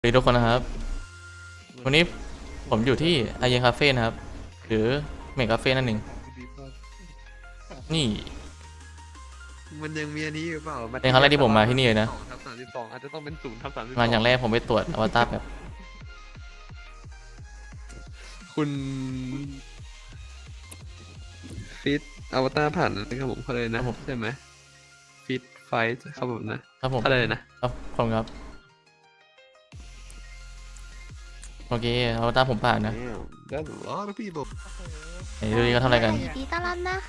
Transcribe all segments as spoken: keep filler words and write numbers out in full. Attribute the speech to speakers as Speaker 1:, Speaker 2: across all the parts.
Speaker 1: สวัสดีทุกคนนะครับวันนี้ผมอยู่ที่อาเยนคาเฟ่นะครับหรือเมกคาเฟ่นั่นเองนี่
Speaker 2: มันยังมีอันนี้หรือเปล่า
Speaker 1: เป็นครั้งแรกที่ผมมาที่นี่เลยนะ
Speaker 2: สองทับสามสิบสองอาจจะต้องเป็นศูนย์ทับสามสิบสอง
Speaker 1: มาอย่างแรกผมไปตรวจอวตารแบบ
Speaker 2: คุณฟิตอวตารผ่านนะครับผมเขาเลยนะใช่ไหมฟิตไฟท์ครับผมนะครับ
Speaker 1: ผม
Speaker 2: อะไรนะครับ
Speaker 1: ผมครับโอเคอวตารผมผ่านนะ
Speaker 2: ได้หรอพี่บอก
Speaker 1: ไหนดูดิเขาทำอะไรกัน
Speaker 3: ยินดีต้อนรับนะคะ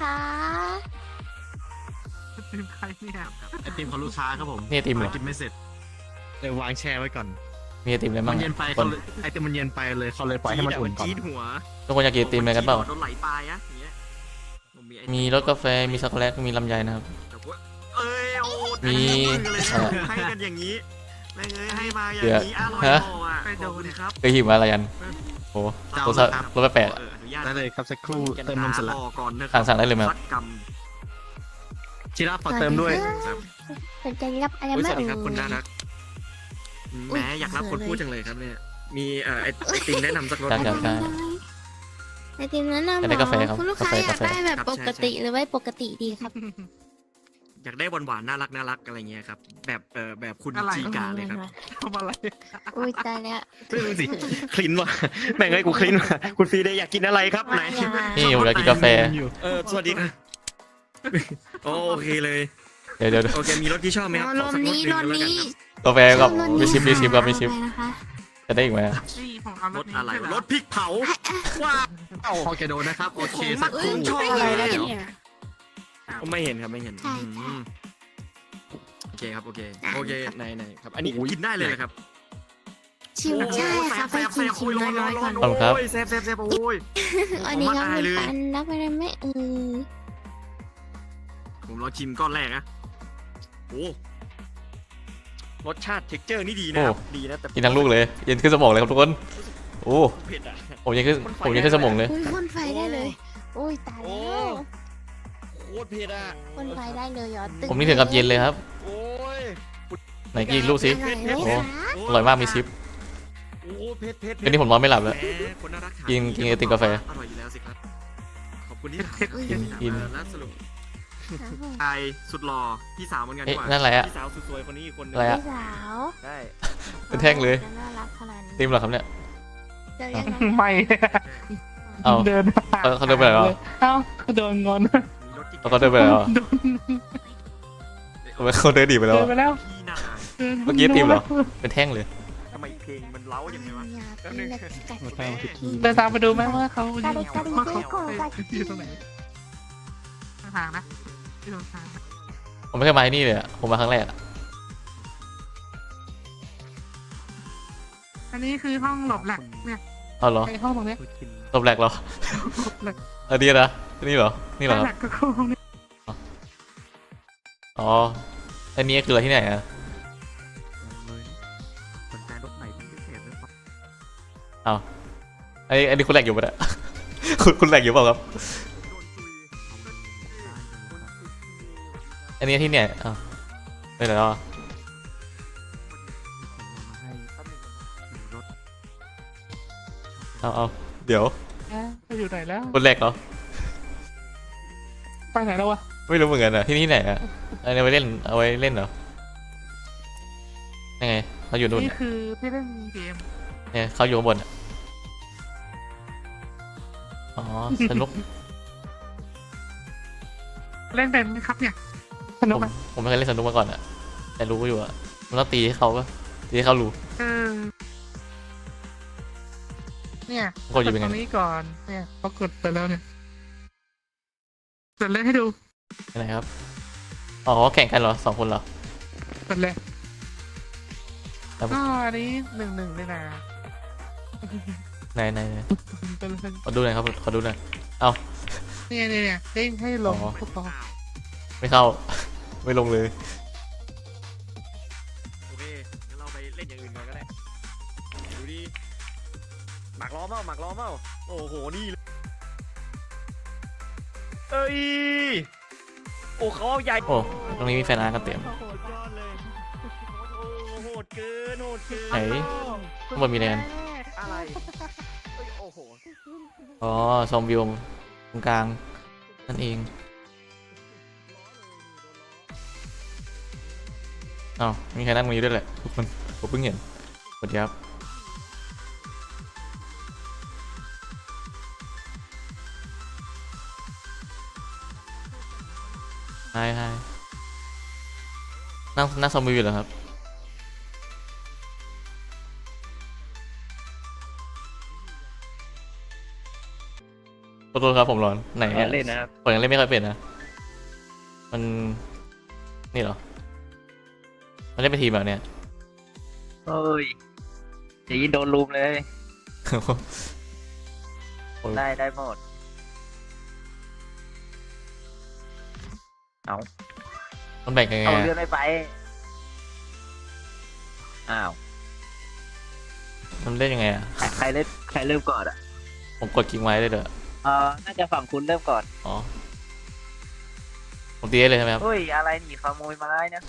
Speaker 4: ทีมใครเนี่ยไอติมของลูกค้าครับผม
Speaker 1: นี่ไอติมเหรอ
Speaker 4: กินไม่เสร็จเลยวางแช่ไว้ก่อน
Speaker 1: มีไอติมอะไร
Speaker 4: มั
Speaker 1: บ้าง
Speaker 4: นเย็นไป
Speaker 1: ค
Speaker 4: เขา
Speaker 1: น
Speaker 4: เลยไอติมมันเย็นไปเลยเขาเลยปล่อยให้มันอุ่นก่อน
Speaker 5: จี๊ดหัว
Speaker 1: ทุกคนอยากกินไอติมอะไรกันเปล่า
Speaker 5: โดนไหลปลายอะอย่างเงี้ยผมไอติ
Speaker 1: มีรสกาแฟมีช็อกโกแลตมีลำไยนะครับ
Speaker 5: แต่ว่าเอ้ยโอ้
Speaker 1: มี
Speaker 5: อันนี้มือเลยนะให้กันอย่างนี้แม่งเอ้ยให้มาอย่างนี้อร่อย
Speaker 1: ฮะ
Speaker 5: โอ่ะขอบคุณครับ
Speaker 1: เคยหิวมาอะไรกันโอ้รสชาติรสแปลกๆอะ
Speaker 5: เอออนุญาต
Speaker 4: ได้เลยครับสักครู่เติมนมเสร็จแล้ว
Speaker 5: รอก่อนนะค
Speaker 1: สั่
Speaker 5: รั
Speaker 1: งสั่งได้เลยไหมครับ
Speaker 5: สักกรรม
Speaker 4: ชิราขอเติมด้วย
Speaker 5: ครับ
Speaker 3: สนใจรับอะไร
Speaker 5: อุ๊ย
Speaker 3: ไหม
Speaker 5: สวัสดีครับ
Speaker 3: เอ่ย
Speaker 5: คุณน่ารักแหมอยากรับคนพูดจังเลยครับเนี่ยมีเอ่อไอไอติมแนะนำสักรส
Speaker 1: ใช่ครับใช่
Speaker 3: ไอติมนั้นนะหม
Speaker 1: อยากได้กาแฟครับ
Speaker 3: อคุณลูกค้าก
Speaker 1: าแฟ
Speaker 3: อยากได้แบบ
Speaker 5: ครับ
Speaker 3: ปกติ
Speaker 5: ใช่ใช่
Speaker 3: หรือว่าปกติดีครับ
Speaker 5: อยากได้หวานๆน่ารักน่ารักอะไรเงี้ยครับแบบเออแบบคุณจีกาเลยครับ
Speaker 4: ทำอะไร
Speaker 3: อุ้ยตายแล้ว
Speaker 5: ดูสิคลินว่ะแม่งไอ้กูคลินว่ะคุณฟรีได้อยากกินอะไรครับไหน
Speaker 1: นี่ผมอยากกินกาแฟ
Speaker 5: เออสวัสดีครับโอเคเลย
Speaker 1: เดี๋ยวเดี๋ยวเดี๋ยว
Speaker 5: โอเคมีรถที่ชอบไหมครับ
Speaker 3: ร
Speaker 5: ขอ
Speaker 3: ถ
Speaker 5: สักรถห
Speaker 3: นี้
Speaker 5: นึ่ง
Speaker 3: รถ
Speaker 5: ก็แล้วกัน
Speaker 3: นี้
Speaker 5: ครับ
Speaker 1: กาแฟกับ
Speaker 3: รถ
Speaker 1: มี
Speaker 3: นี้
Speaker 1: ชิปมีชิปครับมีชิป
Speaker 3: อะไรนะคะ
Speaker 1: จะได้อีกไหมอะ
Speaker 4: นี่ผมเอา
Speaker 5: รถอะไรรถพริกเผาว้า
Speaker 4: พอแกโดนนะครับโอเค
Speaker 5: ของ
Speaker 4: สั
Speaker 5: มั
Speaker 4: ก
Speaker 5: ก
Speaker 4: ครู่
Speaker 5: ชอบอะไรเนี่ย
Speaker 3: เนี่ย
Speaker 5: ผมไม่เห็นครับไม่เห็น
Speaker 3: ใช่
Speaker 5: อืมโอเคครับโอเคโอเคไหนไหนครับ อันนี้กินได้เลยนะครับ
Speaker 3: ชิมใช่ค่ะไปชิมชิมน้อยๆก่อน
Speaker 1: ขอบคุณครับ
Speaker 5: โอ้ยแซ่บแซ่บแซ่บโอ้ย
Speaker 3: อันนี้ครับ
Speaker 5: ผมว่าอายเลย
Speaker 3: ปันรับอะไรไหมเออ
Speaker 5: ผมลองชิมก้อนแรกนะโอ้รสชาติเท็กเจอร์นี่ดีนะครับดีนะแต่
Speaker 1: กินทั้งลูกเลยเย็นขึ้นสมองเลยครับทุกคนโอ้
Speaker 5: เผ็ดอ่ะ
Speaker 1: ผมยังขึ้นผมยังขึ้นสมองเลย
Speaker 3: อุ้ยพ่นไฟได้เลยอุ้ยตาย
Speaker 5: โอ้
Speaker 3: แล้ว
Speaker 5: โคตรเผ็ดอ่ะ
Speaker 3: พ่นไฟได้เลยเหรอตึ
Speaker 1: ผมนี่ถึงกับเย็นเลยครับ
Speaker 5: โอ้ย
Speaker 1: ไหนกินอีกลูกสิ
Speaker 3: อร่อยไหม
Speaker 1: โอ้
Speaker 3: คะ
Speaker 1: อร่อยมากมีชิป
Speaker 5: โอ้เผ็ดเผ็ด
Speaker 1: เดี๋ยวนี้ผมนอนไม่หลับแล้ว
Speaker 5: แหมคนน่ารัก
Speaker 1: กินกินไอติมกาแฟ
Speaker 5: อร่อยอยู่แล้วสิครับขอบคุณที่
Speaker 1: กินกิน
Speaker 5: เออแล้วสรุปชายสุดหล่อพี่สาวเหมือนกัน
Speaker 1: เอ๊ะ
Speaker 5: ดีกว่า
Speaker 1: นั่นอะไรอะ
Speaker 5: พี่สาวสุดสวยคนนี้อีกคนนึง
Speaker 1: อะไรอะ
Speaker 3: พี่สาว
Speaker 5: ได้
Speaker 1: เป็นแท่งเลย
Speaker 3: น่ารักขนาดนี้
Speaker 1: ติมเหรอครับเนี่ย
Speaker 3: เจอยังไง
Speaker 4: ไม่
Speaker 1: เอา
Speaker 4: เดิน
Speaker 1: เขาเขาเดินไปไหนแล้ว
Speaker 4: เอ้าเขาโดนงอน
Speaker 5: มีรถที่
Speaker 1: เขาเดินไปแล้วอะทำไมเขาเดินดีไปแล้ว
Speaker 4: เดิน
Speaker 1: อะ
Speaker 4: ไปแล้ว
Speaker 5: พี่นา
Speaker 1: เมื่อกี้ติมเหรอ เป็นแท่งเลย
Speaker 5: ทำไมเพลงมันเล้าอย่างไงวะ
Speaker 3: อยากกินแบบกัด
Speaker 5: แม่
Speaker 4: เดินตามไปดูไหมว่าเขา
Speaker 3: กระดิกกระดิก
Speaker 4: ว่าเขา
Speaker 3: เจ๊โกกัด
Speaker 4: อยู่ตรงไหนทางนะที่ตรงทาง
Speaker 1: ผมไม่เคยมาที่นี่เลยอะผมมาครั้งแรกอะ
Speaker 4: อันนี้คือห้องหลบแหลกเนี่ย
Speaker 1: เอาเหรอ
Speaker 4: ไอห้องตรงเนี้ย
Speaker 1: ตบแหลกเหรอ
Speaker 4: หลบ
Speaker 1: อันนี้นะนี่เหรอ นี่เหรอค
Speaker 4: แหล
Speaker 1: รับ
Speaker 4: กก็คือห้องนี้
Speaker 1: อ๋อ อันนี้คืออะไรที่ไหนอะ
Speaker 5: สนใจรถไหนเป็นพิเศษหรือเปล่า
Speaker 1: เอาอันนี้อันนี้คุณแหลกอยู่ปะเนี่ย คุณคุณแหลกอยู่เปล่าครับ
Speaker 5: โดนคุย
Speaker 1: อันนี้ที่เนี่ยอ้าวไปไหนแล้วอะเอาเอาเดี๋ยว
Speaker 4: ไปอยู่ไหนแล้ว
Speaker 1: คุณแหลกเหรอ
Speaker 4: ไปไหนแล้ววะ
Speaker 1: ไม่รู้เหมือนกันอะที่นี่ไหนอะอันนี้เอาไว้เล่น เอาไว้เล่นเหรอ ยังไงเขาอยู่นู่น
Speaker 4: นี่
Speaker 1: อะ
Speaker 4: คือที่เล่นเกม
Speaker 1: เนี่ยเขาอยู่ข้างบนอะอ๋อ สนุก
Speaker 4: เล่นเป็นไหมครับเนี่ยสนุ
Speaker 1: ผ
Speaker 4: ก
Speaker 1: ม
Speaker 4: ไหม
Speaker 1: ผมไม่เคยเล่นสนุกมาก่อนอะแต่รู้อยู่อะมันต้องตีให้เขาปะตีให้เขารู้
Speaker 4: เออเนี่ย
Speaker 1: กดอยู่เป็นไง
Speaker 4: ตรงนี้ก่อนเนี่ยพอกดไปแล้วเนี่ยกดเล่นให้ดู
Speaker 1: ยังไงครับ อ๋อแข่งกันเหรอสองคนเหรอ
Speaker 4: กดเลย
Speaker 1: ครับ
Speaker 4: ก็อันนี้หนึ่งหนึ่งเลยนะ
Speaker 1: ไหนไหนไหน
Speaker 4: เป็นเป็น
Speaker 1: ขอดูหน่อยครับขอดูหน่อย
Speaker 4: เนี่ยเนี่ยเนี่ยเด้งให้ลง
Speaker 1: อ๋อ
Speaker 4: พวกเรา
Speaker 1: ไม่เข้า ไม่ลงเลย
Speaker 5: โอเคงั้นเราไปเล่นอย่างอื่นก่อนก็ได้ดูดิหมักล้อเมาหมักล้อเมาโอ้โหนี่เลยเอ้ยโอ้เขาเอาใหญ่
Speaker 1: โอ้ตรงนี้มีแฟนอาร์ตกันเต็ม
Speaker 5: โหดยอดเลยโอ้โหโหดเกินโหดเกิน
Speaker 1: ไหนข้างบนมีอะไรกัน
Speaker 5: อะไรเอ้ยโอ้โห
Speaker 1: อ๋อชมวิวตรงกลางนั่นเองอ้าวมีใครนั่งตรงนี้ด้วยแหละทุกคนผมเพิ่งเห็นสวัสดีครับไฮไฮนั่งนั่งชมวิวอยู่เหรอครับขอโทษครับผมร้อนไหนอะ
Speaker 5: เล่นนะครับ
Speaker 1: ผมยังเล่นไม่ค่อยเป็นนะมันนี่เหรอมันเล่นเป็นทีมแบบเนี้ย
Speaker 5: เฮ้ยจะยินโดนลุมเลย ได้ได้หมด เอา
Speaker 1: มันแบ่งยังไง
Speaker 5: เอา
Speaker 1: อะ
Speaker 5: เลื่อนไม่ไป อ้าว
Speaker 1: มันเล่นยังไงอ่ะ
Speaker 5: ใครเล่นใครเริ่มก่อนอ่ะ
Speaker 1: ผมกดคลิกไว้ได้เด้อ
Speaker 5: เออน่าจะฝั่งคุณเริ่มก่อน
Speaker 1: อ๋อผมตีได้เลยใช่ไหมครับ
Speaker 5: เฮ้ย อะไรหนีขโมยไม้นะ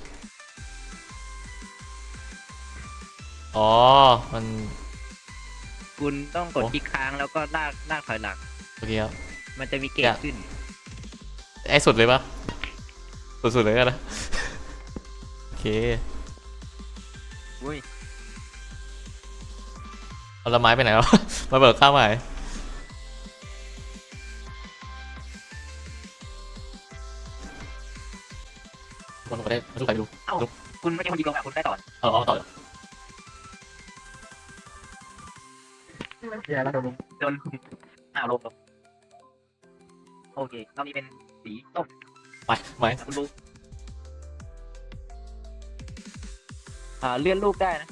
Speaker 1: อ๋อมัน
Speaker 5: คุณต้องกด
Speaker 1: โอ้
Speaker 5: คลิกค้างแล้วก็ลากลากถอยหลัง
Speaker 1: โอเคครับ
Speaker 5: มันจะมีเก
Speaker 1: อ
Speaker 5: จ
Speaker 1: ยาก
Speaker 5: ขึ้น
Speaker 1: ไอ้สุดเลยปะสุดๆเลยกันนะ โอเค
Speaker 5: อุ้ย
Speaker 1: เอาละไม้ไปไหนวะ มาเบิกข้าวใหม่คนก็ได้มาดูใครดู
Speaker 5: เอ้า คุณไม่ใช่คนดีกว่าคุณได้ต่อ
Speaker 1: เอาเอาต่อ
Speaker 4: อย่าแล้วโดน
Speaker 5: โดนอ้าวลงลงโอเครอบนี้เป็นสีส้ม
Speaker 1: ไปไม้
Speaker 5: คุณดูอ่าเลื่อนรูปได้นะ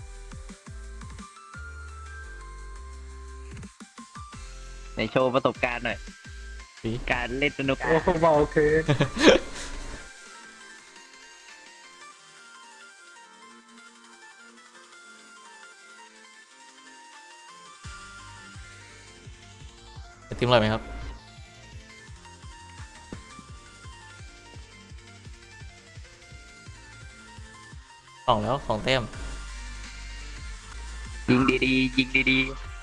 Speaker 5: ไหนโชว์ประสบการณ์หน่อย
Speaker 1: สี
Speaker 5: การเล่นสนุก
Speaker 4: โอ้โหโอเค
Speaker 1: จะทีมอะไรไหมครับสองแล้วสองแต้ม
Speaker 5: ยิงดีๆยิงดี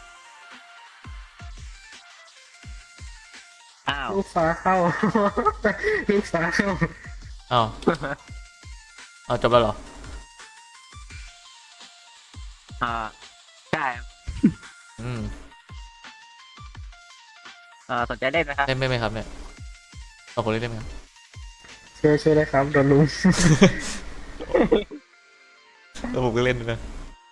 Speaker 5: ๆอ้าว
Speaker 4: ลูกฟ้าเข้า ลูกฟ้าเข้า
Speaker 1: อ้าวเอาจบแล้วเหรอ
Speaker 5: อ่าใช่ครับ
Speaker 1: อืม
Speaker 5: อ่าสนใจเล่นไหมครับ
Speaker 1: เล่นไม่ไหมครับเนี่ยเอาคนเล่นได้ไหมครับ
Speaker 4: ช่วยช่วยได้ครับโดนลุม
Speaker 1: แล้วผมก็เล่นด้วยนะ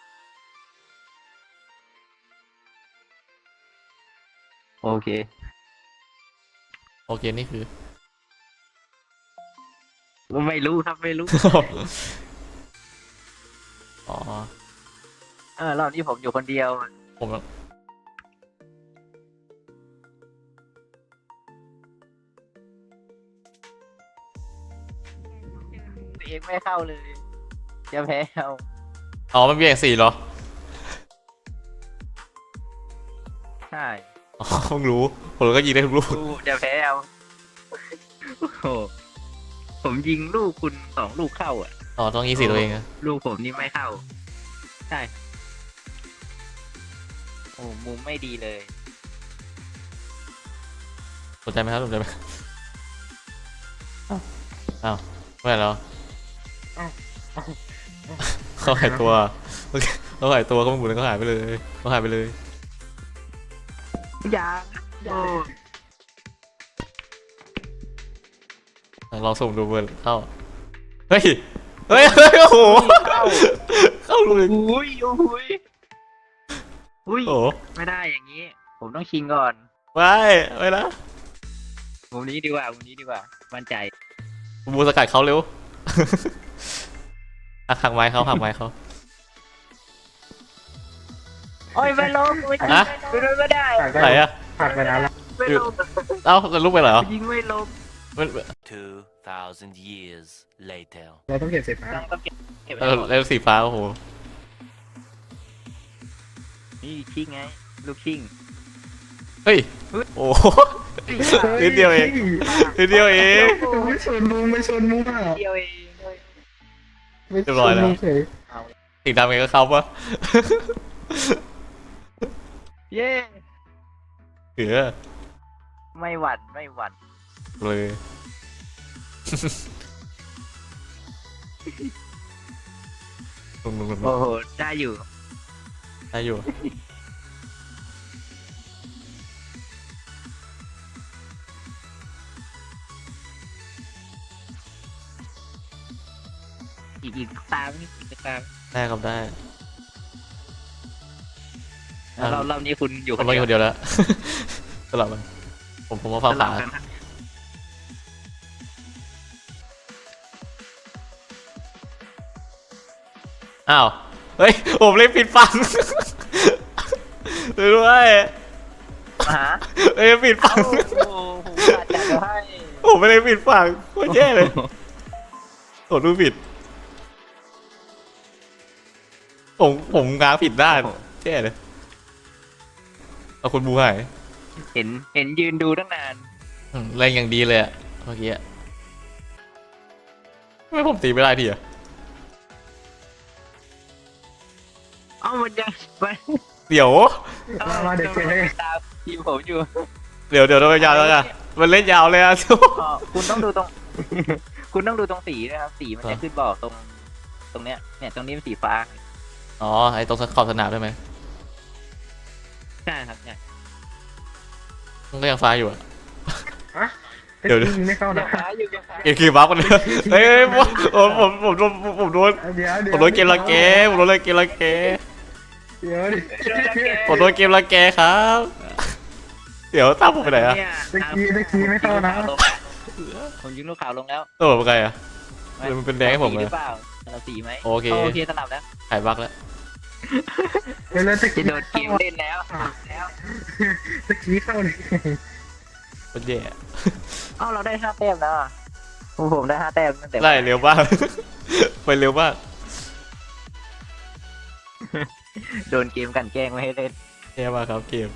Speaker 5: โอเค
Speaker 1: โอเคนี่คือ
Speaker 5: ไม่รู้ครับไม่รู้
Speaker 1: อ๋อ
Speaker 5: เออรอบนี้ผมอยู่คนเดียว
Speaker 1: ผม
Speaker 5: ตัวเองไม่เข้าเลยจะแพ้เอา
Speaker 1: อ๋อมันมีอย่างสี่เหรอ
Speaker 5: ใช่
Speaker 1: อ๋อเพิ่งรู้ผมก็ยิงได้ทุกลูก
Speaker 5: กูจะแพ้เอาโอ้โหผมยิงลูกคุณสองลูกเข้าอ่ะ
Speaker 1: อ๋อต้องยิงสี่ตัวเองอะ
Speaker 5: ลูกผมนี่ไม่เข้า ใช่ โอ้มุมไม่ดีเลย
Speaker 1: สนใจไหมครับสนใจไหมอ้าวอ้าวไม่เหรอ
Speaker 4: อ้าวอ้าว
Speaker 1: เขาหายตัวโอเคเขาหายตัวก็ไม่หมุนแล้วก็หายไปเลยเขาหายไปเลย
Speaker 5: ยาโอ้
Speaker 1: ลองส่งดูเบอร์เข้าเฮ้ยเฮ้ยเฮ้ยโอ้โห
Speaker 5: เข้า
Speaker 1: เข้าเลย
Speaker 5: อุ้ยอุ้ยอุ้ย
Speaker 1: โอ้โห
Speaker 5: ไม่ได้อย่างนี้ ผมต้องชิงก่อน
Speaker 1: ไปไปนะ
Speaker 5: มุมนี้ดีกว่ามุมนี้ดีกว่า มั่นใจ
Speaker 1: บูสกัดเขาเร็ว อ่ะหักไม้เขาหักไม้เขา
Speaker 5: โอ้ยไม่ลงไม่ยิง
Speaker 1: ฮะ
Speaker 5: ไม่ลงไม่ได้
Speaker 4: ผ่าน
Speaker 1: ไหน
Speaker 4: ได้
Speaker 1: อะ
Speaker 4: ผ่านไปนานแล้ว
Speaker 5: ไม่ลง
Speaker 1: เอ้าจะลุกไปเหรอ
Speaker 5: ยิงไม่ลง
Speaker 1: มัน
Speaker 6: Two thousand years later.
Speaker 4: เราต้องเก็บเสร็จนะ
Speaker 5: ต้องต้องเก็บเก็บ
Speaker 1: เอ
Speaker 5: ไว้
Speaker 1: อ
Speaker 5: ก่อน
Speaker 1: แล้วสีฟ้าโอ้โห
Speaker 5: นี่ชิงไง ลูกชิง
Speaker 1: เฮ้ยโอ้โห นิดเดียวเอง นิดเดียวเอง
Speaker 4: ไม่ชนมุมไม่ชนมุมอ่ะ
Speaker 5: เดียวเอง
Speaker 4: ไม่ช
Speaker 1: เรียบร้อย
Speaker 4: น
Speaker 1: แล้ว
Speaker 4: มุมเฉย
Speaker 1: สีดำไงก็เข้าปะ
Speaker 7: เย้
Speaker 1: เออ
Speaker 7: ไม่หวั่นไม่หวั่น
Speaker 1: เลยลงลงลงล
Speaker 7: โอ้
Speaker 1: ง
Speaker 7: โหได้อยู่
Speaker 1: ได้อยู่
Speaker 7: อีกอีกตามนี่อีกตาม
Speaker 1: ได้ครับได้
Speaker 7: แล้วเรารอบนี้คุณอยู่
Speaker 1: ผมมาอยู่คนเดียวแล้ว สลับมันผมผมมาฟัง
Speaker 7: ส
Speaker 1: ขา
Speaker 7: ลับกันนะ
Speaker 1: อ้าว เฮ้ย ผมเลยปิดฟัง ดูด้วย
Speaker 7: หา
Speaker 1: เฮ้ยปิดฟั
Speaker 7: เอ้าง โอ้โหผมอาจจะให้
Speaker 1: ผมไม่ได้ปิดฟังโคตรแย่เลยโหดูผิด ผมผมง้างผิดด้านแย่เลยเอาคุณบูหาย
Speaker 7: เห็นเห็นยืนดูตั้งนาน
Speaker 1: อืมแรงอย่างดีเลยอะเมื่อกี้อะทำไม่ผมตีไม่ได้ทีอะ
Speaker 7: เอ้ามันยังมัน
Speaker 1: เดี๋ยว
Speaker 4: มาเด็กเก๋
Speaker 7: ตามทีมผมอยู่
Speaker 1: เดี๋ยวเดี๋ยวเราไปยาวแล้วกันมันเล่นยาวเลยอะ
Speaker 7: อ๋อคุณต้องดูตรง คุณต้องดูตรงสีนะครับสีมันจะขึ้นบอกตรง ตรงเนี้ยเนี่ยตรงนี้เป็นสีฟ้า
Speaker 1: อ๋อไอ้ตรงขอบสนามได้ไหม
Speaker 7: ใช่ครับเนี่ย
Speaker 1: มันก็ยังฟ้าอยู่อะ
Speaker 4: เดี๋ยวไม่เข้า
Speaker 7: ยั
Speaker 4: นะ
Speaker 7: งฟ้าอยู่ยังฟ้า
Speaker 1: เกมคือบัฟกันเลยเฮ้ยผมผมผมโดนผมโดน
Speaker 4: เดี๋ยวเดี๋ยว
Speaker 1: ผมโดนเกมละเกผมโดนเกมละเก
Speaker 4: เดี๋ยวดิ
Speaker 1: ผมโดนเกมละเกครับ เดี๋ยวตามผมไปไหนอะ
Speaker 7: เนี่ย
Speaker 4: ตะกี้ตะกี้ไม่เข้านะ
Speaker 7: ผมยิงลูกขาวลงแล้ว
Speaker 1: ตัวผมเป็นไงอะเออมันเป็นแดงให้ผม
Speaker 7: สี
Speaker 1: เล
Speaker 7: ห
Speaker 1: ย
Speaker 7: รือเปล่าเราสีไหม
Speaker 1: โอเค
Speaker 7: โอเคสลับแล้ว
Speaker 1: หายบักแล้ว
Speaker 4: เดี๋ยวแล้วตะ
Speaker 7: จะ
Speaker 4: กี้
Speaker 7: โดนเกมเล่นแล้วแล้ว
Speaker 4: ตะกี้เข้าเลย
Speaker 1: โคตรแย่
Speaker 7: เอ้าเราได้ห้าแต้มแล้วอะผมผมได้ห้าแต้มตั้งแต่
Speaker 1: ไล่เร็วมาก ไปเร็วมาก
Speaker 7: โดนเกมกลันแกล้งไม่ให้เล่น
Speaker 1: แย่มากครับเกม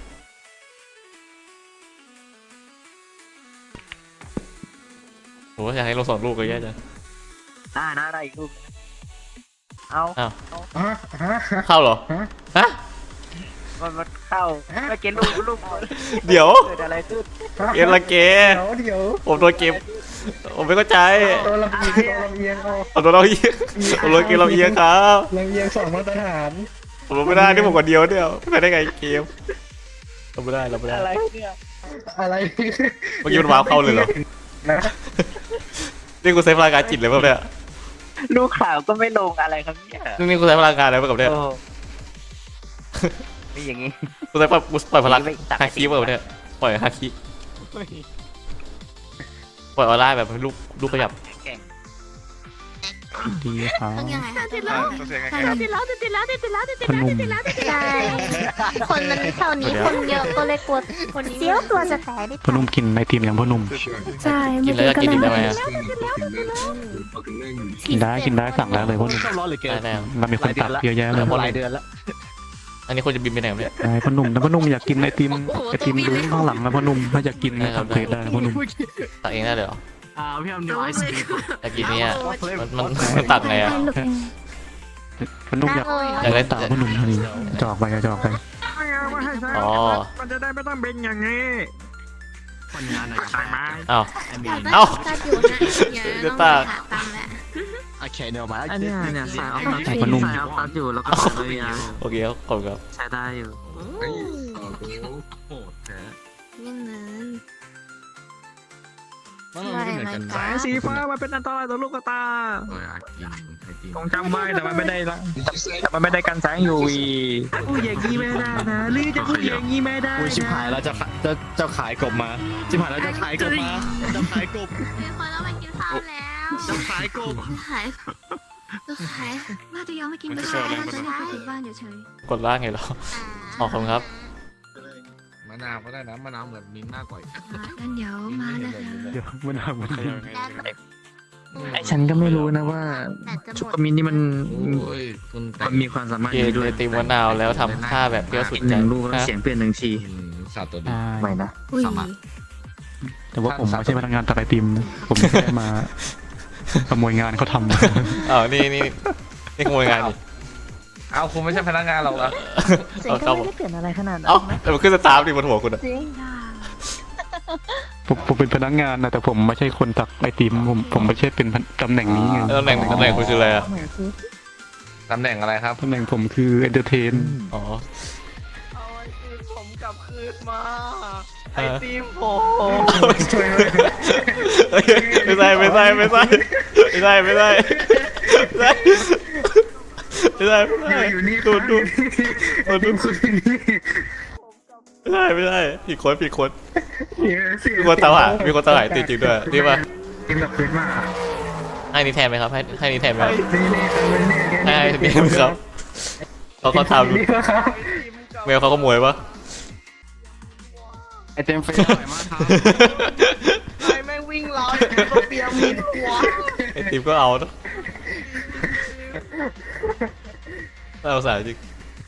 Speaker 1: โหอยากให้ลงสองลูกก็แย่จัง
Speaker 7: ได้นะได้อีกลูกนึงเอา
Speaker 1: อ้าว
Speaker 4: ฮะฮะ
Speaker 1: เข้าเหรอ
Speaker 4: ฮะ
Speaker 1: ฮะ
Speaker 7: มันมันเข้าไม่เกมลูกลูก
Speaker 1: เดี๋ยว
Speaker 7: เกิดอะไรขึ้น
Speaker 1: เกมละเก
Speaker 4: เดี๋ยวเดี๋ยว
Speaker 1: ผมโดนเกม ผมไม่เข้าใจ
Speaker 4: ตัวลำเอียงตัวลำเอียงเอา
Speaker 1: ผมโดนเราเอียงผมโดนเกมเราเอียงครับ
Speaker 4: ลำเอียงสองมาตรฐาน
Speaker 1: ผมลงไม่ได้ที่ผมคนเดียวเดียวไม่ได้ไงเกมเราไม่ได้เราไม่ได้
Speaker 7: อะไรเนี่ย
Speaker 4: อะไร
Speaker 1: เมื่อกี้มันว้าวเข้าเลยเหรอ
Speaker 4: นะ
Speaker 1: นี่กูใช้พลังงานจิตเลยป่ะเนี่ย
Speaker 7: ลูกข่าวก็ไม่ลงอะไรครับเนี่ย
Speaker 1: นี่กูใช้พลังงานอะไรป่ะกับเนี่ย
Speaker 7: โอ้นี่อย่างงี้
Speaker 1: กูใช้ปล่อยกูปล่อยพลัง
Speaker 7: ไม่ตัด
Speaker 1: ฮาคิป่ะกับเนี่ยปล่อยฮาคิปล่อยออนไลน์แบบลูกลูกขยับ
Speaker 7: แข่ง
Speaker 4: ดีครับ
Speaker 3: ต้องยังไงคะ
Speaker 8: ติดแล้วติดแล้วติดแล้วติดแล้วติดแล้วติด
Speaker 4: พนุ่ม
Speaker 8: แล้วติด
Speaker 3: ใช่คนมันแถวนี้คนเยอะก็เลยกลัวคนเสียวตัวจะแตกนิด
Speaker 4: พนุ่มกินไอติมอย่างพนุ่ม
Speaker 8: ใช่
Speaker 1: กินแล้วจะกินอีกได้ไหมอะ
Speaker 4: กินได้กินได้สั่งแล้วเลยพนุ่ม
Speaker 1: ได้แล้ว
Speaker 4: มันมีคนตัดเยอะแยะเลย
Speaker 1: หลายเดือนแล้วอันนี้คนจะบินไปไหนวะเนี่ย
Speaker 4: ใช่พนุ่มแต่พนุ่มอยากกินไอติมไอติมลุ้งข้างหลังนะพนุ่มถ้าอยากกินก็ทำเพจได้นะพนุ่ม
Speaker 1: ตักเองได้เลยเหรอ
Speaker 5: อ่าพี่ทำนิวไอซ์
Speaker 1: อยากกินเนี่ยมันมันมันตักไงอะ
Speaker 4: พนุ่มอยาก
Speaker 1: อยากได้
Speaker 4: ตัดพนุ่มเท่านี้จอกไปจอกไป
Speaker 1: อ๋อ
Speaker 5: มันจะได้ไม่ต้องเป็นอย่างนี้คนงานอะไรใช่ไหม
Speaker 1: อ้าว
Speaker 3: อยากได้
Speaker 1: เอ้า
Speaker 3: ตัดอยู่นะอย่า
Speaker 1: เดี๋ยว
Speaker 3: ต้อง
Speaker 1: ตา
Speaker 3: ไปหาตังค์แหละ
Speaker 5: โอเคเดี๋ยวมา
Speaker 7: อันเนี้ยเนี่ยสายเอาตัด
Speaker 4: พนุ่ม
Speaker 7: สายเอาตัดอยู่แล้วก็เลยนะ
Speaker 1: โอเคครับขอบคุณครับ
Speaker 7: ใช้ได้อยู่
Speaker 3: ยังเงิน
Speaker 5: มันไม่เหมือนกันสายสีฟ้ามันเป็นอันตรายต่อลูกตาต้องจำไว้แต่มันไม่ได้ละแต่มันไม่ได้กันแสง ยู วี
Speaker 7: พูดอย่างนี้ไม่ได้นะหรือจะพูดอย่างนี้ไม่ได้
Speaker 5: อุ้ยชิบหายแล้วจะจะจะขายกบมาชิบหายแล้วจะขายกบมาจะขายกบ
Speaker 3: มีคนเราไปกินข้าวแล้ว
Speaker 5: จะขายกบ
Speaker 3: ขายจะขาย
Speaker 8: ว่าจะยังไม่กินก็ได้จะได้กลับบ้านเฉย
Speaker 1: กดล่างไงเหรอขอบคุณครับ
Speaker 9: มะนาวก็ได้นะมะนาวเหมือนมิ้นท์มากกว่าอีก
Speaker 8: ๆงั้นเดี๋ยวมานะคะ
Speaker 4: เดี๋ยวมันทำมัน
Speaker 7: ไอฉันก็ไม่รู้นะว่า
Speaker 3: แต่จะห
Speaker 7: ชุก
Speaker 3: มด
Speaker 7: กมินนี่มัน
Speaker 9: โอ้ยคุณแต่
Speaker 7: มันมีความสามารถ
Speaker 1: กิน
Speaker 7: นี้ด้ว
Speaker 1: ไอย ติมมะนาวแล้วทำท่าแบบเปรี้ยวสุด
Speaker 7: กินห
Speaker 1: ใจ
Speaker 7: นึ่งลูกแล้ว
Speaker 1: ฮะ
Speaker 7: เสียงเปลี่ยนหนึ่งที
Speaker 9: อืมสัตว์ตัวดี
Speaker 7: ไม่นะ
Speaker 8: อุ้ย
Speaker 4: แต่ว่าผมไม่ใช่พนักงานตัดไอติมนะผมแค่มาขโมยงานเขาทำ
Speaker 1: อ้าวนี่นี่นี่ขโมยงานดิ
Speaker 9: เอาคุณไม่ใช่พนักงานหรอกนะ
Speaker 3: เสียงก็ไม่ได้เปลี่ยนอะไรขนาดนั้น
Speaker 1: เอ้าแต่มันขึ้นสตาร์ทดิบนหัวคุณอะ
Speaker 3: จริง
Speaker 4: ผมผมเป็นพนักงานนะแต่ผมไม่ใช่คนตักไอติมผมผมไม่ใช่เป็นตำแหน่งนี้ไง
Speaker 1: ตำแหน่งตำแหน่งคุณคืออะไรอะ
Speaker 3: เหมือนคือ
Speaker 9: ตำแหน่งอะไรครับ
Speaker 4: ตำแหน่งผมคือเอนเตอร์เทน
Speaker 1: อ๋อ
Speaker 5: เอาไอติมผมกลับคืนมาไอ
Speaker 1: เออ
Speaker 5: ติมผม
Speaker 1: เฮ้ยไม่ใช่ไม่ใช่ไม่ใช่ไม่ใช่ไม่ใช่ไม่ใช่ไม่ใช่ไม่ใช่
Speaker 4: อยู่นี่
Speaker 1: ดูดูดูดู
Speaker 4: คุณที่นี่
Speaker 1: ไม่ใช่ไม่ใช่ผิดคนผิดคนมีคนตามหามีคนตามหาจริงๆด้วยนี่ป่ะ
Speaker 4: ทีมกับเพื่อนมาก
Speaker 1: ให้นี่แทนไหมครับให้ให้นี่แทนไหมครับ
Speaker 4: นี่นี่ครับนี่
Speaker 1: ให้ให้นี่ไหมครับเขาเขาท
Speaker 4: นี่ครับ
Speaker 1: ำเมลเขาขโมยปะ
Speaker 4: ไอเต็มเฟซอร่อยมากครับ
Speaker 5: ไอแม่งวิ่งราวก็เปียมิดหัว
Speaker 1: ไอติมก็เอาเนอะน่าสงสารจริง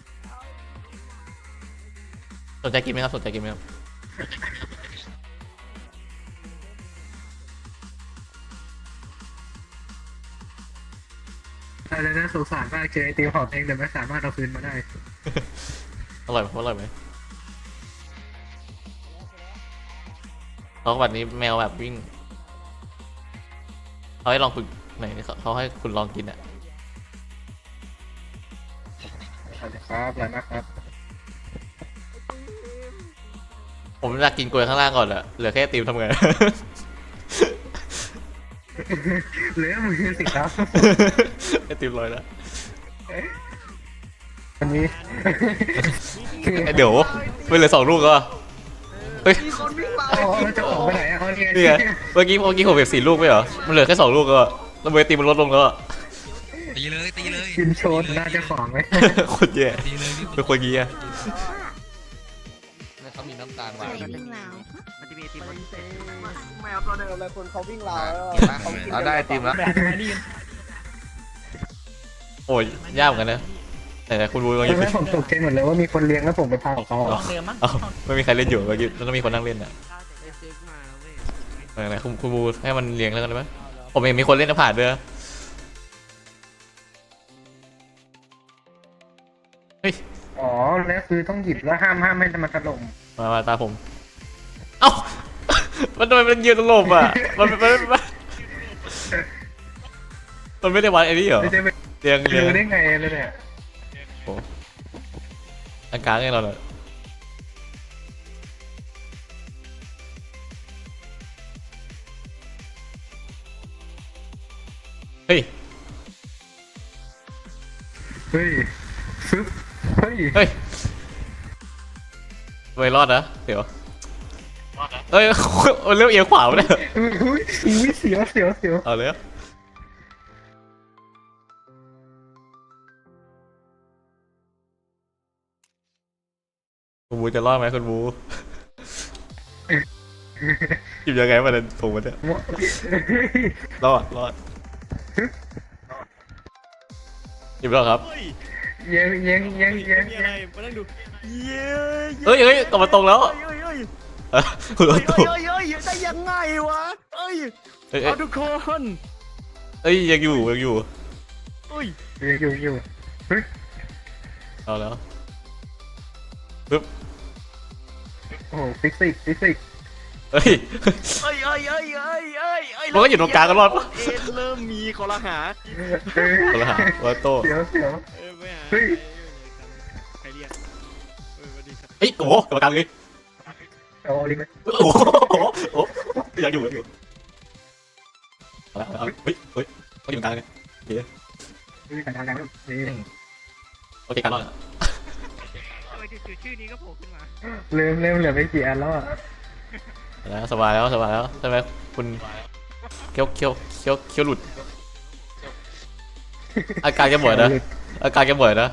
Speaker 1: สนใจกินไหมครับสนใจกินไหมครับ
Speaker 4: อะไรนะสงสารมากเจอไอติมหอมเองแต่ไม่สามารถเอาคืนมาได้
Speaker 1: อร่อยไหมอร่อยไหมเขาวันนี้แมวแบบวิ่งเขาให้ลองฝึกไหนเขาเขาให้คุณลองกินอ่ะ
Speaker 4: สวัสดีครับอะไรนะครับ
Speaker 1: ผมอยากกินกล้วยข้างล่างก่อนอะเหลือแค่ไอติมทำไง
Speaker 4: เหลือมือสิครับ
Speaker 1: ไอติมลอยแล้ว
Speaker 4: วันนี้
Speaker 1: ไอเดี๋ยวไม่เหลือสองลูกก็เฮ้ย
Speaker 5: มีคนวิ่งราว
Speaker 4: อ๋อเราจะออกไปไหนอ่ะเขาเนี่ย
Speaker 1: นี่ไงเมื่อกี้เมื่อกี้ผมเก็บสี่ลูกไม่เหรอมันเหลือแค่สองลูกก็แล้วเบอร์ไอติมมันลดลงแล้วอะ
Speaker 9: ตีเลยตีเลย
Speaker 4: กินโชว์น่าจะของไหม
Speaker 1: โคตรแย่เป็นคนงี้อะ
Speaker 9: เขามีน้ำตาลหวาน
Speaker 8: ใส่วิ่งราว
Speaker 5: มันจะมีไอติมมันแมวตัวเดิมเลยคนเขาวิ่งราวแล้ว
Speaker 9: เราได้ไอติมแล้ว
Speaker 1: โอ้ยยากเหมือนกันนะแต่คุณบูลองหยิบ
Speaker 4: ใช่ไหม
Speaker 1: ดิ
Speaker 4: ผมตกใจหมดเลยว่ามีคนเลี้ยงแล้วผมไปพาของเขาออก
Speaker 1: เอ้าไม่มีใครเล่นอยู่เมื่อกี้แล้วต้องมีคนนั่งเล่นอ่ะไหนๆคุณคุณบูให้มันเลี้ยงแล้วกันได้ไหมผมเห็นมีคนเล่นแล้วผ่านด้วยเฮ้ย
Speaker 4: อ๋อแล้วคือต้องหยิบแล้วห้ามห้ามไม่ให้มันถล่ม
Speaker 1: มามาตาผม เอ้า มันทำไมมันยืนตลบอ่ะ มันมันมันมันไม่ได้วัดไอ้นี่เหรอ
Speaker 4: ไม่ใช่ไป
Speaker 1: เรียงเรียง
Speaker 4: รู้ได้ไงเลยเนี่ย
Speaker 1: โอ้อากาศไงเราเนี่ยเฮ้ย
Speaker 4: เฮ้ยฟึบเฮ้ย
Speaker 1: เฮ้ยไม่รอดนะ เดี๋ยวเฮ้ย มันเริ่มเอียงขวาไปแล้ว
Speaker 4: อุ้ยอุ้ยอุ้ยเสียวเสียวเสียว
Speaker 1: เอาเลยอะคุณบูจะรอดไหมคุณบูหยิบยังไงมาเนี่ยถูกมันเนี่ยรอดรอดหยิบแล้วครับ
Speaker 5: เฮ้ย
Speaker 4: เยังยังยังยัง
Speaker 5: มีอะไรมานั่งดูเย้
Speaker 1: เฮ้ยเฮ้ยกลับมาตรงแล้ว
Speaker 5: เฮ้ยเฮ้ยเฮ้ย
Speaker 1: อ่ะคุณรถ
Speaker 5: เฮ้
Speaker 1: ตู้
Speaker 5: ยเฮ้ยเฮ้ยได้ยังไงวะเอ้ย
Speaker 1: เอ้ย
Speaker 5: เอาทุกคน
Speaker 1: เอ้ยยังอยู่ยังอยู่
Speaker 5: เอ้ย
Speaker 4: อยู่อยู่อยู่เฮ้ย
Speaker 1: เอาแล้วปึ๊บ
Speaker 4: โอ้โหฟิสิกส์ฟิสิกส์
Speaker 1: เฮ้ย
Speaker 5: เอ้ยเอ้ยเอ้ยเอ้ยเอ้ยเอ้ย
Speaker 1: มันก็อยู่ตรงกลางกันรอดปะ
Speaker 5: เอ็นเริ่มมีคอรหา
Speaker 4: เฮ้ย
Speaker 1: คนละหารถโต้
Speaker 4: เสียวเสียว
Speaker 5: เอ้ยไม่หา
Speaker 4: เฮ้ย
Speaker 5: ใครเรียกเออสวัสดีครับ
Speaker 1: เฮ้ยโอ้โหกลับมากลางเลย
Speaker 4: เอาดิไหม
Speaker 1: โอ้โหโอ้โหโอ้โหยังอยู่ยังอยู่เอาละเอาละเฮ้ยเฮ้ยเขาอยู่ตรงกลางเลย
Speaker 4: เฮ้ยการทางการนี่
Speaker 1: โอเคกันรอด
Speaker 5: ทำไมจู่ๆชื่อนี้ก็โผล่ขึ้นมา
Speaker 4: เริ่มเริ่มเหลือไม่กี่อันแล้วอ่ะ
Speaker 1: แล้วสบายแล้วสบายแล้วใช่ไหมคุณเคี้ยวเคี้ยวเคี้ยวเคี้ยวหลุด อาการแกบ่อยนะอาการแกบ่อยนะ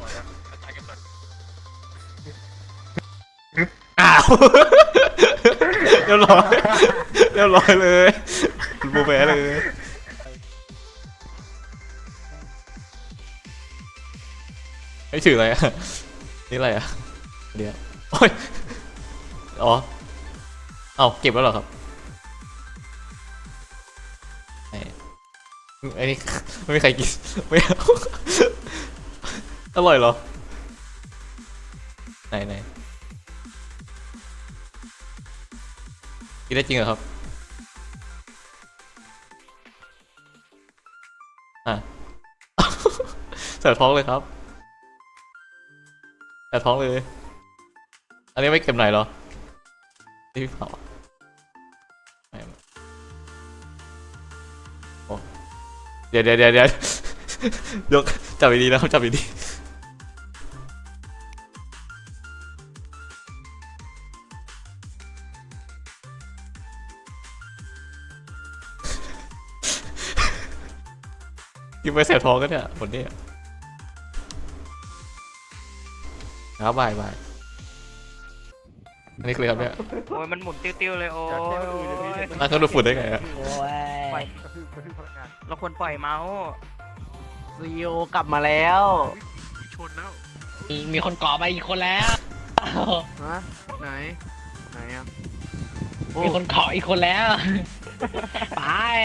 Speaker 1: อ้าวเรียบร้อยเรียบร้อยเลยคุณบูแพ้เลยไม่ถืออะไรอ่ะนี่อะไรอ่ะเดี๋ยวโอ้ยอ๋อเอาเก็บแล้วเหรอครับไอ้ไอ้นี่ไม่มีใครกินไม่เอาอร่อยเหรอไหนไหนกินได้จริงเหรอครับอ่ะ ใส่ท้องเลยครับใส่ท้องเลย อันนี้ไม่เก็บไหนเหรอที่เผาไม่โอ้เดี๋ยวเดี๋ยวเดี๋ยวเดี๋ยวยกจับดีๆนะครับจับดีๆกินไปแสบท้องกันเนี่ยหมดเนี่ยครับบายบายอันนี้คืออะไรครับเนี่ย
Speaker 7: โอ้ยมันหมุนติ้วๆเลยโอ้ย
Speaker 1: น่าเขาดูดฝุ่นได้ไงอะ
Speaker 7: โอ้ยเราควรปล่อยเมาส์ซีโอกลับมาแล้ว
Speaker 4: ชนแล้ว
Speaker 7: มีมีคนก่อไปอีกคนแล้ว
Speaker 2: ฮะไหนไหนอ่ะ
Speaker 7: มีคนเกาะอีกคนแล้วไป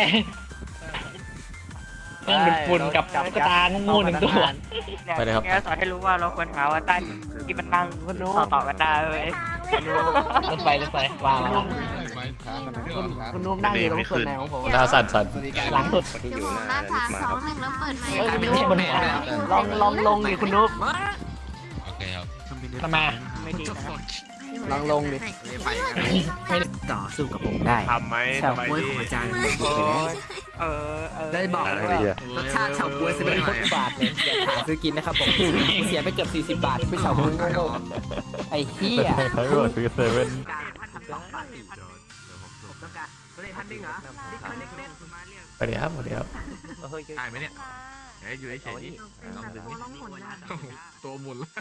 Speaker 7: เพิ่งเป็นฝุ่นกับตุ๊กตางูหนึ่งตัว
Speaker 1: ไปเลยครับ
Speaker 7: แกสอนให้รู้ว่าเราควรหาว่าใต้ที่มันนั่งต่อต่อกันได้เลยรถไฟรถไฟวาง
Speaker 9: คุณนุ่มนั่งอยู่ตรงส่วนไหนของผม
Speaker 1: หน้าสั่นสั่น
Speaker 7: หลังสุด
Speaker 8: เดี๋ยวผมหน้าสามสองหนึ่งแล้วเปิดไมค์
Speaker 7: ไม่ใช่บนหัวลองลองลงดิคุณนุ๊ก
Speaker 9: โอเคครับ
Speaker 7: ทำไมไม่ดีนะ
Speaker 2: ลองลงดิ
Speaker 7: ต่อสู้กับผมได้
Speaker 5: ทำไหม
Speaker 7: ชาว
Speaker 5: ทำไม
Speaker 7: กล้วย
Speaker 5: ดิ
Speaker 7: ของอาจารย์เออเออ
Speaker 2: ได้บอกแล้วว่ารสชาติเฉาก๊วยสิบ
Speaker 7: เป็นคนบาทเลยอย่าหาซื้อกินนะครับผมเสียไปเกือบสี่สิบบาทไปเฉาก๊วยโง่ๆไอ้เหี้ย
Speaker 1: ใช้รถคือเซเว่นไปเดี๋ยวครับไปเดี๋ยวครับ
Speaker 9: ได้ไหมเนี่ยเดี๋ยวอยู่เฉยๆนี่ลองดึงนี่
Speaker 8: ร้องผลนะ
Speaker 9: ตัวหมุนแล้ว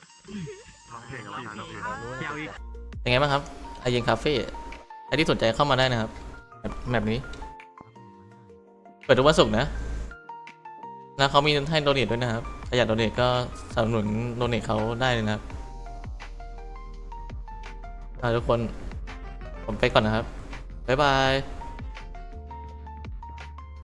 Speaker 1: ยังไงบ้างครับไอเย็นคาเฟ่ใครที่สนใจเข้ามาได้นะครับแบบแบบนี้ เปิดทุกวันศุกร์นะแล้วเขามีให้โดเนทด้วยนะครับถ้าอยากโดเนทก็สนับสนุนโดเนทเขาได้เลยนะครับอ่าทุกคนผมไปก่อนนะครับบ๊ายบาย